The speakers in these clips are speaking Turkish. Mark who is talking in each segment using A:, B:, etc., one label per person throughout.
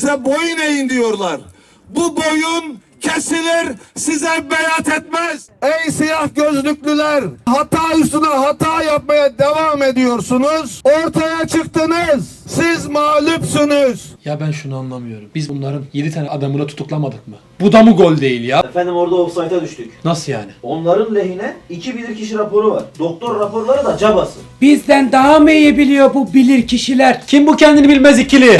A: size boyun eğin diyorlar. Bu boyun kesilir, size beyat etmez. Ey siyah gözlüklüler, hata üstüne hata yapmaya devam ediyorsunuz. Ortaya çıktınız. Siz mağlupsunuz.
B: Ya ben şunu anlamıyorum. Biz bunların 7 tane adamını tutuklamadık mı? Bu da mı gol değil ya?
C: Efendim orada offside'a düştük.
B: Nasıl yani?
C: Onların lehine 2 bilirkişi raporu var. Doktor raporları da cabası.
D: Bizden daha mı iyi biliyor bu bilir kişiler?
B: Kim bu kendini bilmez ikili?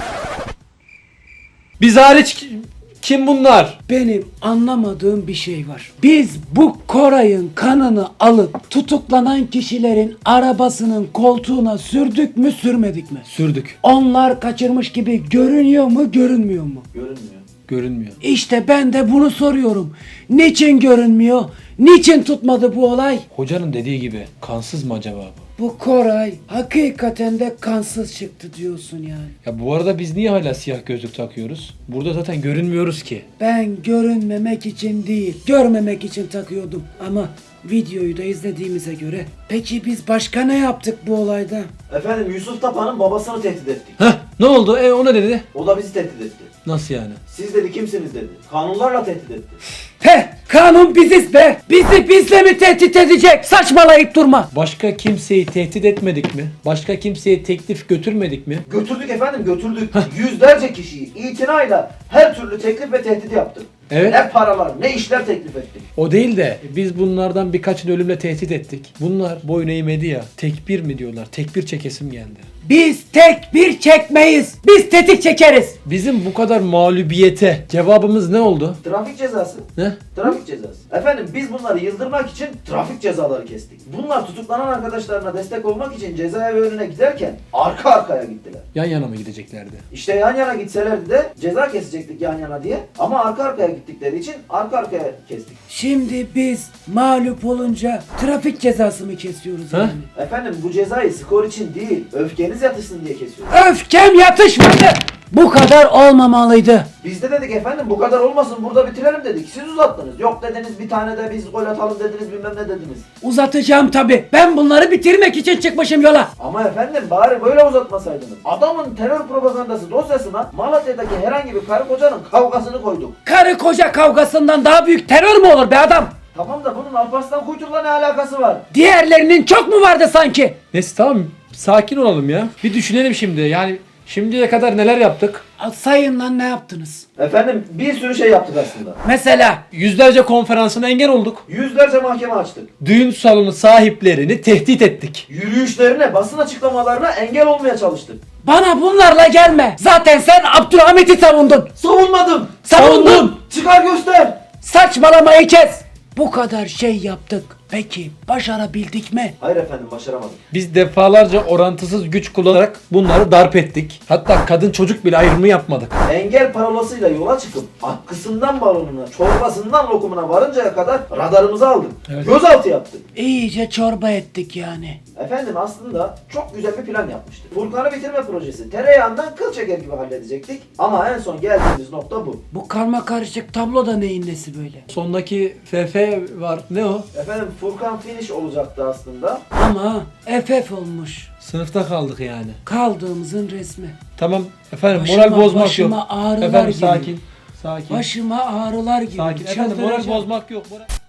B: Biz hariç kim bunlar?
D: Benim anlamadığım bir şey var. Biz bu Koray'ın kanını alıp tutuklanan kişilerin arabasının koltuğuna sürdük mü sürmedik mi?
B: Sürdük.
D: Onlar kaçırmış gibi görünüyor mu görünmüyor mu?
C: Görünmüyor.
B: Görünmüyor.
D: İşte ben de bunu soruyorum. Niçin görünmüyor? Niçin tutmadı bu olay?
B: Hocanın dediği gibi kansız mı acaba bu?
D: Bu Koray hakikaten de kansız çıktı diyorsun yani.
B: Ya bu arada biz niye hala siyah gözlük takıyoruz? Burada zaten görünmüyoruz ki.
D: Ben görünmemek için değil, görmemek için takıyordum. Ama videoyu da izlediğimize göre. Peki biz başka ne yaptık bu olayda?
C: Efendim Yusuf Tapa'nın babasını tehdit ettik.
B: Heh, ne oldu? O ne dedi?
C: O da bizi tehdit etti.
B: Nasıl yani?
C: Siz dedi kimsiniz dedi. Kanunlarla tehdit etti.
D: Heh, kanun biziz be. Bizi bizle mi tehdit edecek? Saçmalayıp durma.
B: Başka kimseyi tehdit etmedik mi? Başka kimseye teklif götürmedik mi?
C: Götürdük efendim götürdük. Yüzlerce kişiyi itinayla her türlü teklif ve tehdit yaptık.
B: Evet.
C: Ne paralar ne işler teklif ettik.
B: O değil de biz bunlardan birkaçını ölümle tehdit ettik. Bunlar boyun eğmedi ya. Tekbir mi diyorlar? Tekbir çekesim geldi.
D: Biz tek bir çekmeyiz. Biz tetik çekeriz.
B: Bizim bu kadar mağlubiyete cevabımız ne oldu?
C: Trafik cezası.
B: Ne?
C: Trafik cezası. Efendim biz bunları yıldırmak için trafik cezaları kestik. Bunlar tutuklanan arkadaşlarına destek olmak için cezaevi önüne giderken arka arkaya gittiler.
B: Yan yana mı gideceklerdi?
C: İşte yan yana gitselerdi de ceza kesecektik yan yana diye. Ama arka arkaya gittikleri için arka arkaya kestik.
D: Şimdi biz mağlup olunca trafik cezası mı kesiyoruz
B: Ha?
D: yani?
C: Efendim bu cezayı skor için değil, öfkeniz yatışsın diye kesiyoruz.
D: Öfkem yatışmadı. Bu kadar olmamalıydı.
C: Biz de dedik efendim bu kadar olmasın burada bitirelim dedik. Siz uzattınız. Yok dediniz bir tane de biz gol atalım dediniz bilmem ne dediniz.
D: Uzatacağım tabi. Ben bunları bitirmek için çıkmışım yola.
C: Ama efendim bari böyle uzatmasaydınız. Adamın terör propagandası dosyasına Malatya'daki herhangi bir karı kocanın kavgasını koyduk.
D: Karı koca kavgasından daha büyük terör mü olur be adam?
C: Tamam da bunun Alparslan Kuytur'la ne alakası var?
D: Diğerlerinin çok mu vardı sanki?
B: Neyse tamam sakin olalım ya. Bir düşünelim şimdi yani şimdiye kadar neler yaptık?
D: Sayın lan ne yaptınız?
C: Efendim bir sürü şey yaptık aslında.
D: Mesela
B: Yüzlerce konferansına engel olduk.
C: Yüzlerce mahkeme açtık.
B: Düğün salonu sahiplerini tehdit ettik.
C: Yürüyüşlerine, basın açıklamalarına engel olmaya çalıştık.
D: bana bunlarla gelme. Zaten sen Abdülhamit'i savundun.
C: Savunmadım.
D: Savundun.
C: Çıkar göster.
D: Saçmalamayı kes. Bu kadar şey yaptık. Peki başarabildik mi?
C: Hayır efendim başaramadım.
B: Biz defalarca orantısız güç kullanarak bunları darp ettik. Hatta kadın çocuk bile ayrımı yapmadık.
C: Engel parolasıyla yola çıkıp akkısından balonuna, çorbasından lokumuna varıncaya kadar radarımızı aldık.
B: Evet.
C: Gözaltı yaptık.
D: İyice çorba ettik yani.
C: Efendim aslında çok güzel bir plan yapmıştık. Furkan'ı bitirme projesi. Tereyağından kıl çeker gibi halledecektik. Ama en son geldiğimiz nokta bu.
D: Bu karma karışık tablo da neyin nesi böyle?
B: Sondaki FF var. Ne o?
C: Efendim Furkan finish olacaktı aslında.
D: Ama FF olmuş.
B: Sınıfta kaldık yani.
D: Kaldığımızın resmi.
B: Tamam efendim
D: Başıma-
B: moral bozmak yok.
D: başıma ağrılar
B: Efendim
D: giriyor.
B: sakin. Sakin.
D: Başıma ağrılar gibi.
B: Sakin. Efendim moral
D: Çıldıracağım.
B: bozmak yok. Moral...